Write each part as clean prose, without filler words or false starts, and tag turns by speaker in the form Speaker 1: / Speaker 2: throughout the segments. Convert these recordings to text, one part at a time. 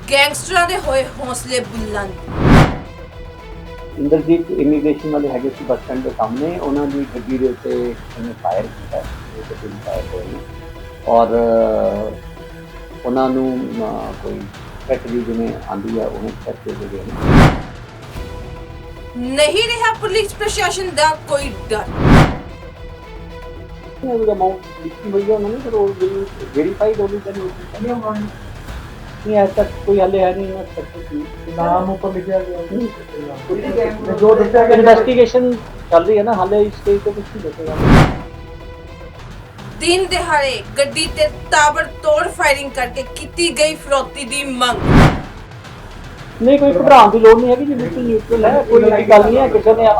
Speaker 1: ਗੈਂਗਸਟਰਾਂ ਦੇ ਹੋਏ ਹੌਸਲੇ ਬੁਲੰਦ।
Speaker 2: ਇੰਦਰਜੀਤ ਇਮੀਗ੍ਰੇਸ਼ਨ ਵਾਲੇ ਹੈਗੇ ਸੀ ਬੱਸ ਸਟੈਂਡ ਦੇ ਸਾਹਮਣੇ, ਉਹਨਾਂ ਦੀ ਗੱਡੀ ਦੇ ਉੱਤੇ ਉਹਨੇ ਫਾਇਰ ਕੀਤਾ, ਉਹ ਤੇ ਤਿੰਨ ਫਾਇਰ ਹੋਏ ਨੇ ਔਰ ਉਹਨਾਂ ਨੂੰ ਕੋਈ ਫੈਕਟਰੀ ਜਿਵੇਂ ਆਂਦੀ ਆ ਉਹਨੇ ਕਰਕੇ ਦੇ ਗਏ ਨੇ।
Speaker 1: ਨਹੀਂ ਰਿਹਾ ਪੁਲਿਸ ਪ੍ਰਸ਼ਾਸਨ ਦਾ ਕੋਈ ਡਰ।
Speaker 2: ਉਹਦਾ ਅਮਾਊਂਟ ਲਿਖੀ ਹੋਈ ਹੈ ਉਹਨਾਂ ਨੇ, ਪਰ ਉਹ ਵੈਰੀਫਾਈਡ ਹੋਣੀ ਚਾਹੀਦੀ ਹੈ। नहीं आज तक कोई हले है नहीं ना सक्सेसफुल नाम ऊपर लिखा गया जो इन्वेस्टिगेशन चल रही है ना, हाले इस स्टेज पे कुछ नहीं देखेगा।
Speaker 1: दिन दिहाड़े गड्डी ते ताबड़तोड़ फायरिंग करके कीती गई फिरौती दी मंग।
Speaker 2: नहीं कोई घबराने की लोड़ नहीं है जी, बिल्कुल न्यूट्रल है, कोई ऐसी गल नहीं है किसी ने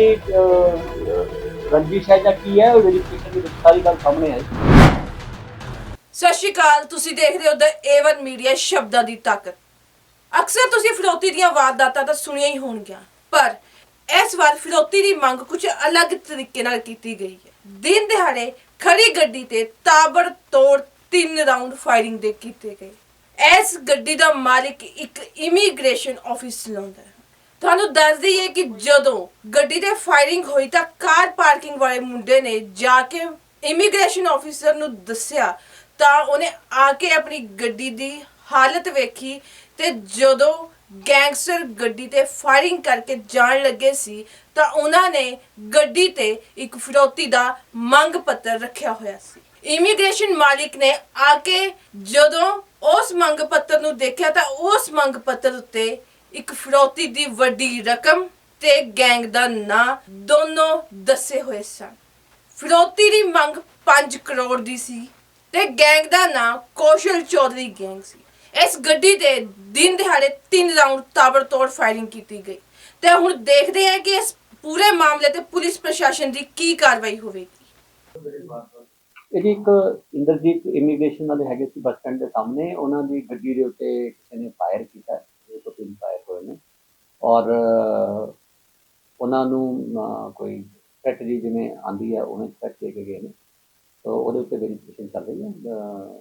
Speaker 2: आपकी रंजिश है या की है, वेरिफिकेशन की सारी गल सामने है।
Speaker 1: ਸਤਿ ਸ਼੍ਰੀ ਅਕਾਲ, ਤੁਸੀਂ ਦੇਖ ਰਹੇ ਹੋ ਦ A1 ਮੀਡੀਆ ਸ਼ਬਦਾਂ ਦੀ ਤਾਕਤ। ਅਕਸਰ ਤੁਸੀਂ ਫਿਰੌਤੀ ਦੀਆਂ ਵਾਰਦਾਤਾਂ ਤਾਂ ਸੁਣੀਆਂ ਹੀ ਹੋਣਗੀਆਂ, ਪਰ ਇਸ ਵਾਰ ਫਿਰੌਤੀ ਦੀ ਮੰਗ ਕੁਝ ਅਲੱਗ ਤਰੀਕੇ ਨਾਲ ਕੀਤੀ ਗਈ ਹੈ। ਦਿਨ ਦਿਹਾੜੇ ਖੜੀ ਗੱਡੀ ਤੇ ਤਾਬੜਤੋੜ 3 ਰਾਉਂਡ ਫਾਇਰਿੰਗ ਦੇ ਕੀਤੇ ਗਏ। ਇਸ ਗੱਡੀ ਦਾ ਮਾਲਿਕ ਇੱਕ ਇਮੀਗ੍ਰੇਸ਼ਨ ਆਫਿਸ ਚਲਾਉਂਦਾ ਹੈ। ਤੁਹਾਨੂੰ ਦੱਸ ਦਈਏ ਕਿ ਜਦੋਂ ਗੱਡੀ ਤੇ ਫਾਇਰਿੰਗ ਹੋਈ ਤਾਂ ਕਾਰ ਪਾਰਕਿੰਗ ਵਾਲੇ ਮੁੰਡੇ ਨੇ ਜਾ ਕੇ ਇਮੀਗ੍ਰੇਸ਼ਨ ਆਫਿਸਰ ਨੂੰ ਦੱਸਿਆ ਤਾਂ ਉਹਨੇ ਆ ਕੇ ਆਪਣੀ ਗੱਡੀ ਦੀ ਹਾਲਤ ਵੇਖੀ ਤੇ ਜਦੋਂ ਗੈਂਗਸਟਰ ਗੱਡੀ ਤੇ ਫਾਇਰਿੰਗ ਕਰਕੇ ਜਾਣ ਲੱਗੇ ਸੀ ਤਾਂ ਉਹਨਾਂ ਨੇ ਗੱਡੀ ਤੇ ਇੱਕ ਫਿਰੌਤੀ ਦਾ ਮੰਗ ਪੱਤਰ ਰੱਖਿਆ ਹੋਇਆ ਸੀ। ਇਮੀਗ੍ਰੇਸ਼ਨ ਮਾਲਿਕ ਨੇ ਆ ਕੇ ਜਦੋਂ ਉਸ ਮੰਗ ਪੱਤਰ ਨੂੰ ਦੇਖਿਆ ਤਾਂ ਉਸ ਮੰਗ ਪੱਤਰ ਉੱਤੇ ਇੱਕ ਫਿਰੌਤੀ ਦੀ ਵੱਡੀ ਰਕਮ ਤੇ ਗੈਂਗ ਦਾ ਨਾਂ ਦੋਨੋਂ ਦੱਸੇ ਹੋਏ ਸਨ। ਫਿਰੌਤੀ ਦੀ ਮੰਗ 5 ਕਰੋੜ ਦੀ ਸੀ ਤੇ ਗੈਂਗ ਦਾ ਨਾਂ ਕੌਸ਼ਲ ਚੌਧਰੀ ਗੈਂਗ ਸੀ। ਇਸ ਗੱਡੀ ਤੇ ਦਿਨ ਦਿਹਾੜੇ 3 ਰਾਉਂਡ ਤਾਬੜਤੋੜ ਫਾਇਰਿੰਗ ਕੀਤੀ ਗਈ ਤੇ ਹੁਣ ਦੇਖਦੇ ਹਾਂ ਕਿ ਇਸ ਪੂਰੇ ਮਾਮਲੇ ਤੇ ਪੁਲਿਸ ਪ੍ਰਸ਼ਾਸਨ ਦੀ ਕੀ ਕਾਰਵਾਈ ਹੋਵੇਗੀ।
Speaker 2: ਇਹ ਇੱਕ ਇੰਦਰਜੀਤ ਇਮੀਗ੍ਰੇਸ਼ਨ ਵਾਲੇ ਹੈਗੇ ਸੀ ਬੱਸ ਸਟੈਂਡ ਦੇ ਸਾਹਮਣੇ, ਉਹਨਾਂ ਦੀ ਗੱਡੀ ਦੇ ਉੱਤੇ ਕਿਸੇ ਨੇ ਫਾਇਰ ਕੀਤਾ, ਉਹ ਤੋਂ 3 ਫਾਇਰ ਹੋਏ ਨੇ ਔਰ ਉਹਨਾਂ ਨੂੰ ਕੋਈ ਫੈਕਟਰੀ ਜਿਵੇਂ ਆਂਦੀ ਆ ਉਹਨੇ ਚੈੱਕ ਦੇ ਕੇ ਗਏ ਨੇ, तो ਉਹਦੇ ਉੱਤੇ ਵੈਰੀਫਿਕੇਸ਼ਨ ਚੱਲ ਰਹੀ ਹੈ।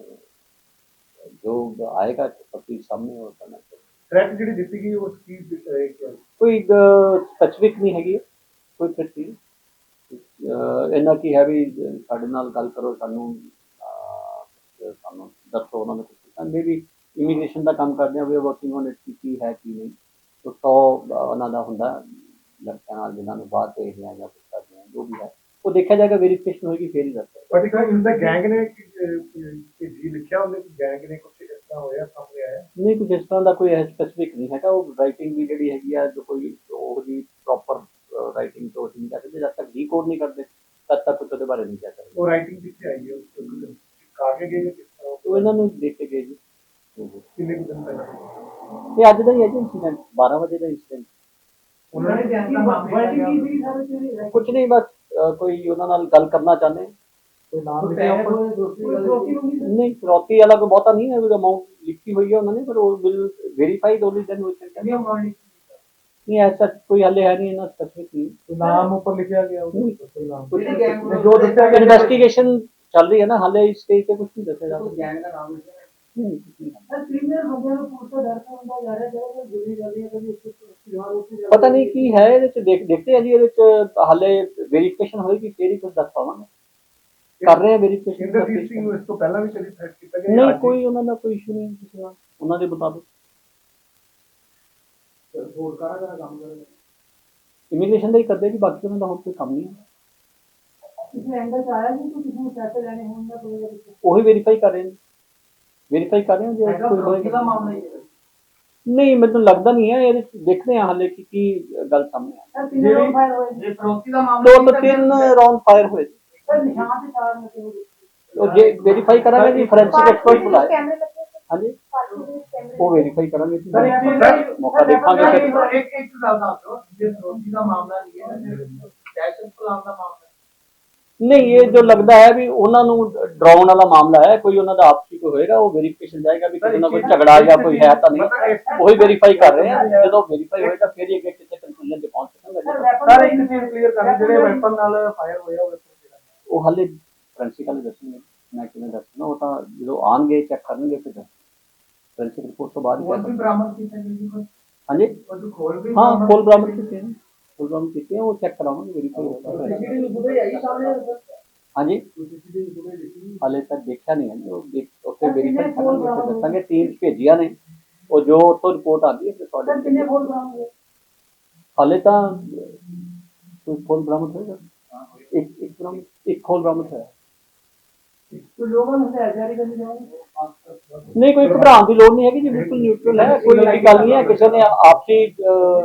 Speaker 2: जो आएगा सबके सामने और करना चाहिए।
Speaker 3: थ्रेट ਜਿਹੜੀ ਦਿੱਤੀ ਗਈ ਉਸ ਕੀ
Speaker 2: ਕੋਈ ਸਪੈਸੀਫਿਕ ਨਹੀਂ ਹੈਗੀ, ਕੋਈ ਥ੍ਰੈਟ ਨਹੀਂ। ਇਹਨਾਂ ਕੀ ਹੈ ਵੀ ਸਾਡੇ ਨਾਲ ਗੱਲ ਕਰੋ, ਸਾਨੂੰ ਦੱਸੋ ਉਹਨਾਂ ਨੇ ਕੁਝ ਮੇ ਵੀ ਇਮੀਗ੍ਰੇਸ਼ਨ ਦਾ ਕੰਮ ਕਰਦੇ ਆ, ਵੀ ਵਰਕਿੰਗ ਔਨ ਇਟ ਕੀ ਹੈ ਕੀ ਨਹੀਂ। ਤਾਂ 100 ਉਹਨਾਂ ਦਾ ਹੁੰਦਾ ਲੜਕਿਆਂ ਨਾਲ ਜਿਨ੍ਹਾਂ ਨੂੰ ਬਾਅਦ ਦੇਖਦੇ ਆ ਜਾਂ ਕੁਝ ਕਰਦੇ ਆ, ਜੋ ਵੀ ਹੈ ਉਹ ਦੇਖਿਆ ਜਾਏਗਾ, ਵੈਰੀਫਿਕੇਸ਼ਨ ਹੋਏਗੀ ਫਿਰ ਹੀ ਦੱਸਦਾ।
Speaker 3: ਪਰਟੀਕੂਲਰ ਇਨਦਾ ਗੈਂਗ ਨੇ ਕਿ ਜੀ ਲਿਖਿਆ ਉਹਨੇ ਕਿ ਗੈਂਗ ਨੇ ਕੁਝ ਇਸ ਤਰ੍ਹਾਂ ਹੋਇਆ ਸਾਹਮਣੇ ਆਇਆ
Speaker 2: ਨਹੀਂ, ਕੁਝ ਇਸ ਤਰ੍ਹਾਂ ਦਾ ਕੋਈ ਸਪੈਸੀਫਿਕ ਨਹੀਂ ਹੈਗਾ। ਉਹ ਰਾਈਟਿੰਗ ਵੀ ਜਿਹੜੀ ਹੈਗੀ ਆ, ਜੋ ਕੋਈ ਉਹ ਜੀ ਪ੍ਰੋਪਰ ਰਾਈਟਿੰਗ ਤੋਂ ਨਹੀਂ ਕਰ ਸਕਦੇ, ਜਦ ਤੱਕ ਡੀਕੋਡ ਨਹੀਂ ਕਰਦੇ ਤਦ ਤੱਕ ਕੁਝ ਉਹਦੇ ਬਾਰੇ ਨਹੀਂ ਕਹਿ ਸਕਦੇ।
Speaker 3: ਉਹ ਰਾਈਟਿੰਗ ਕਿੱਥੇ ਆਈ ਹੈ, ਉਸ ਕਾਗੇ ਗਏ ਕਿਸ ਤਰ੍ਹਾਂ
Speaker 2: ਉਹ ਇਹਨਾਂ ਨੂੰ ਦੇਖ ਕੇ ਗਏ ਜੀ।
Speaker 3: ਕਿੰਨੇ ਕੁ ਦਿਨ ਪਹਿਲਾਂ
Speaker 2: ਇਹ ਅੱਜ ਦਾ ਹੀ ਹੈ ਜੀ ਇੰਸੀਡੈਂਟ, 12 ਵਜੇ ਦਾ ਇੰਸੀਡੈਂਟ।
Speaker 3: ਉਹਨਾਂ ਨੇ
Speaker 2: ਕੁਝ ਨਹੀਂ, ਬਸ ਕੋਈ ਉਹਨਾਂ ਨਾਲ ਗੱਲ ਕਰਨਾ ਚਾਹੁੰਦੇ,
Speaker 3: ਕੋਈ ਨਾਮ ਲਿਖਿਆ
Speaker 2: ਨਹੀਂ ਫਿਰੌਤੀ ਵਾਲਾ ਕੋਈ ਬਹੁਤਾ ਨਹੀਂ ਹੈ, ਅਮਾਊਂਟ ਲਿਖੀ ਹੋਈ ਹੈ ਉਹਨਾਂ ਨੇ, ਪਰ ਉਹ ਵੈਰੀਫਾਈਡ ਹੋਣੀ ਚਾਹੀਦੀ ਹੈ। नहीं ऐसा कोई हले है नहीं ना स्पेसिफिक
Speaker 3: नाम ऊपर लिखा गया कोई नाम
Speaker 2: जो इन्वेस्टिगेशन चल रही है ना, हाले इस स्टेज पे कुछ नहीं दसेगा।
Speaker 3: गैंग का नाम
Speaker 2: पता नहीं की है, देखते हैं जी, हाले वेरिफिकेशन होगी फिर ही कुछ दस पावांगे। कर रहे हैं वेरिफिकेशन।
Speaker 3: इंद्रजीत सिंह ਨੂੰ ਇਸ ਤੋਂ ਪਹਿਲਾਂ ਵੀ ਕਦੀ ਥ੍ਰੈਟ ਕੀਤਾ ਗਿਆ?
Speaker 2: नहीं, कोई ਉਹਨਾਂ ਦਾ ਕੋਈ ਇਸ਼ੂ ਨਹੀਂ ਕਿਸੇ ਨਾਲ, ਉਹਨਾਂ ਦੇ ਮੁਤਾਬਿਕ
Speaker 3: ਹੋਰ ਕਾਹਦਾ ਕੰਮ ਕਰਦਾ
Speaker 2: ਇਮੀਗ੍ਰੇਸ਼ਨ ਦਾ ਹੀ ਕਰਦੇ ਜੀ, ਬਾਕੀ ਉਹਨਾਂ ਦਾ ਹੋਰ ਕੋਈ ਕੰਮ ਨਹੀਂ ਹੈ।
Speaker 3: ਇਸ ਐਂਗਲ ਆਇਆ ਨਹੀਂ ਕਿ ਕਿਸੇ ਨੂੰ ਪੈਸੇ ਲੈਣੇ ਹੋਣ ਦਾ ਕੋਈ
Speaker 2: ਉਹੀ ਵੈਰੀਫਾਈ ਕਰ ਰਹੇ ਨੇ, ਵੈਰੀਫਾਈ ਕਰ ਰਹੇ ਹਾਂ ਜੇ ਕੋਈ ਹੋਏਗਾ।
Speaker 3: ਮਾਮਲਾ ਹੀ ਹੈ
Speaker 2: ਨਹੀਂ, ਮੈਨੂੰ ਲੱਗਦਾ ਨਹੀਂ ਹੈ, ਇਹ ਦੇਖਦੇ ਹਾਂ ਹਾਲੇ ਕੀ ਗੱਲ ਸਾਹਮਣੇ ਆ।
Speaker 3: ਜੇ ਫਰੋਤੀ ਦਾ ਮਾਮਲਾ
Speaker 2: ਦੋ ਤੋਂ 3 ਰਾਉਂਡ ਫਾਇਰ ਹੋਏ
Speaker 3: ਸਰ, ਨਿਸ਼ਾਨ ਤੇ 4 ਮਿੰਟ
Speaker 2: ਉਹ ਜੇ ਵੈਰੀਫਾਈ ਕਰਾਂਗੇ ਜੀ, ਫੋਰੈਂਸਿਕ ਐਕਸਪਰਟ ਬੁਲਾਏ। ਹਾਂਜੀ, ਉਹ ਵੈਰੀਫਾਈ ਕਰਾਂਗੇ ਜੀ, ਮੌਕਾ ਦੇਖਾਂਗੇ ਫਿਰ।
Speaker 3: ਇੱਕ ਗੱਲ ਦੱਸੋ, ਜੇ ਫਰੋਤੀ ਦਾ ਮਾਮਲਾ ਨਹੀਂ ਹੈ, ਦਹਿਸ਼ਤ ਫੈਲਾਉਣ ਦਾ ਮਾਮਲਾ
Speaker 2: नहीं, ये जो लगता है भी उन्होंने डराउन वाला मामला है, कोई उन्होंने आपसी कोई होएगा, वो वेरीफिकेशन जाएगा भी किसी ना कोई झगड़ा या कोई है तो नहीं, वही वेरीफाई कर रहे हैं। जो वेरीफाई होएगा फिर ये किसी कंक्लूजन पे पहुंच सकेंगे।
Speaker 3: सर एक चीज क्लियर करना, ਜਿਹੜੇ ਵੈਪਨ ਨਾਲ ਫਾਇਰ ਹੋਇਆ
Speaker 2: ਉਹ ਹਾਲੇ ਫੋਰੈਂਸਿਕ ਵਾਲੇ ਦੱਸਣਗੇ, ਮੈਂ ਕਿਵੇਂ ਦੱਸਣਾ, ਉਹ ਤਾਂ ਜਦੋਂ ਆਣਗੇ ਚੈੱਕ ਕਰਨਗੇ ਫਿਰ ਫੋਰੈਂਸਿਕ ਰਿਪੋਰਟ ਤੋਂ ਬਾਅਦ ਹੀ ਕਹਿ
Speaker 3: ਹੋਰ ਵੀ
Speaker 2: ਸਕਦੇ।
Speaker 3: ਬਰਾਮਦ ਕੀਤੇ ਗਏ ਜੀ ਕੁਝ
Speaker 2: ਹਾਂਜੀ
Speaker 3: ਉਹ ਖੋਲ ਵੀ
Speaker 2: ਹਾਂ ਫੁੱਲ ਬਰਾਮਦ ਕੀਤੇ ਨੇ, ਫੁੱਲ ਬਰਾਮਦ ਕੀਤੇ ਆ, ਉਹ ਚੈੱਕ ਕਰਾਵਾਂਗੇ ਵੈਰੀਫਾਈ ਹੋਗਾ।
Speaker 3: ਸੀਸੀਟੀਵੀ ਫੁਟੇਜ ਆਈ ਸਾਹਮਣੇ
Speaker 2: ਹਾਂਜੀ
Speaker 3: ਸੀਸੀਟੀਵੀ ਫੁਟੇਜ ਦੇਖੀ
Speaker 2: ਹਾਲੇ ਤੱਕ ਦੇਖਿਆ ਨਹੀਂ ਹੈ ਜੀ, ਉਹ ਉੱਥੇ ਵੈਰੀਫਾਈ ਕਰਾਂਗੇ ਫਿਰ ਦੱਸਾਂਗੇ। ਟੀਮਸ ਭੇਜੀਆਂ ਨੇ, ਉਹ ਜੋ ਉੱਥੋਂ ਰਿਪੋਰਟ ਆਉਂਦੀ ਹੈ ਫਿਰ ਤੁਹਾਡੇ
Speaker 3: ਕਿੰਨੇ ਫੋਨ ਬਰਾਮਦ ਹੋਏ?
Speaker 2: ਹਾਲੇ ਤਾਂ ਕੋਈ ਫੁੱਲ ਬਰਾਮਦ ਹੋਏਗਾ, ਇੱਕ ਬਰਾਮਦ, ਇੱਕ ਫੁੱਲ ਬਰਾਮਦ ਹੋਇਆ।
Speaker 3: ਕੋਈ ਲੋਕਾਂ ਨੂੰ ਹਥਿਆਰ ਜਾਰੀ ਕਰਨੀ ਚਾਹੁੰਦੇ?
Speaker 2: ਨਹੀਂ ਕੋਈ ਘਬਰਾਉਣ ਦੀ ਲੋੜ ਨਹੀਂ ਹੈਗੀ ਜੀ, ਬਿਲਕੁਲ ਨਿਊਟਰਲ ਹੈ, ਕੋਈ ਐਸੀ ਗੱਲ ਨਹੀਂ ਹੈ ਕਿਸੇ ਨੇ ਆਪਸੀ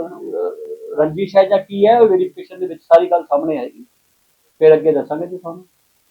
Speaker 2: ਰੰਜਿਸ਼ ਹੈ ਜਾਂ ਕੀ ਹੈ, ਵੈਰੀਫਿਕੇਸ਼ਨ ਦੇ ਵਿੱਚ ਸਾਰੀ ਗੱਲ ਸਾਹਮਣੇ ਆਏਗੀ, ਫਿਰ ਅੱਗੇ ਦੱਸਾਂਗੇ ਜੀ ਤੁਹਾਨੂੰ।